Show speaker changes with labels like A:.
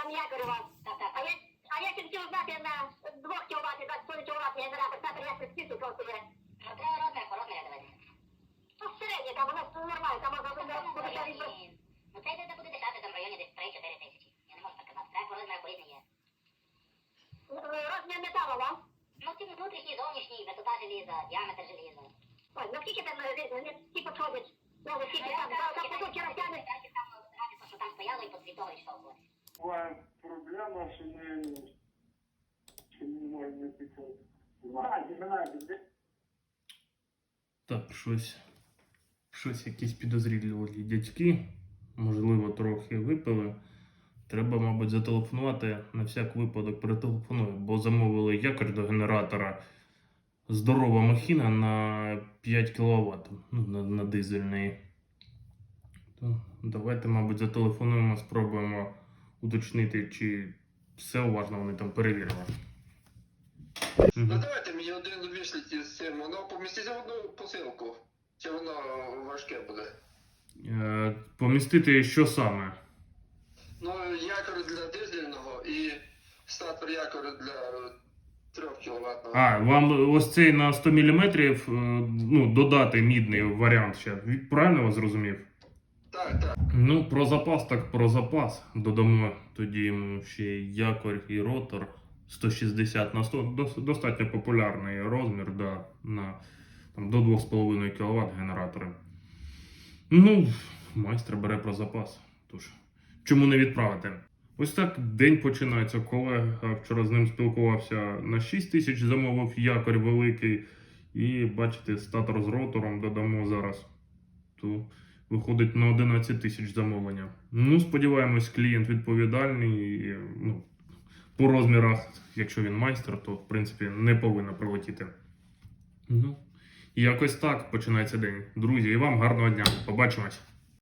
A: там якорь у вас. А я хотів знати на 2 кВт, 20 кВт генератор, так я списку коштує.
B: Ну, треба розмір давати.
A: Ну, середній, там у нас нормально, там можна буде
B: Ну, це йде буде дешевше, там в районі десь 3-4 тисячі. Я не можу так казати. Треба по розміру по-різні є.
A: розмір металу, да?
B: Ну, ті внутрішній, зовнішній, висота желіза, діаметр желіза.
A: Ой, ну скільки там ті підходять? Ну, скільки там, там кусочки розтягнуть.
B: Що там стояло і по того йшло.
C: Буває проблема, що ми не можемо підходити.
D: Так, щось якісь підозрілі дядьки, можливо, трохи випили. Треба, мабуть, зателефонувати, на всяк випадок перетелефоную, бо замовили якорь до генератора. Здорова махіна на 5 кВт, ну, на дизельний. То давайте, мабуть, зателефонуємо, спробуємо уточнити, чи все уважно вони там перевірили.
E: Ну давайте мені один вишліть з цим, воно поміститься в одну посилку, чи воно важке буде?
D: Помістити що саме?
E: Ну, якор для дизельного і статор якору для 3 кВт.
D: А, вам ось цей на 100 мм, ну, додати мідний варіант ще. Правильно я вас зрозумів?
E: Так.
D: Ну, про запас, так про запас. Додамо тоді йому ще якорь і ротор 160 на 100. Достатньо популярний розмір, да, на там, до 2,5 кВт генератори. Ну, майстер бере про запас. Тож, чому не відправити? Ось так день починається. Колега вчора з ним спілкувався, на 6 тисяч замовив якорь великий. І бачите, статор з ротором додамо зараз. То виходить на 11 тисяч замовлення. Ну, сподіваємось, клієнт відповідальний. І, ну, по розмірах, якщо він майстер, то в принципі не повинно прилетіти. Ну, якось так починається день. Друзі, і вам гарного дня. Побачимось.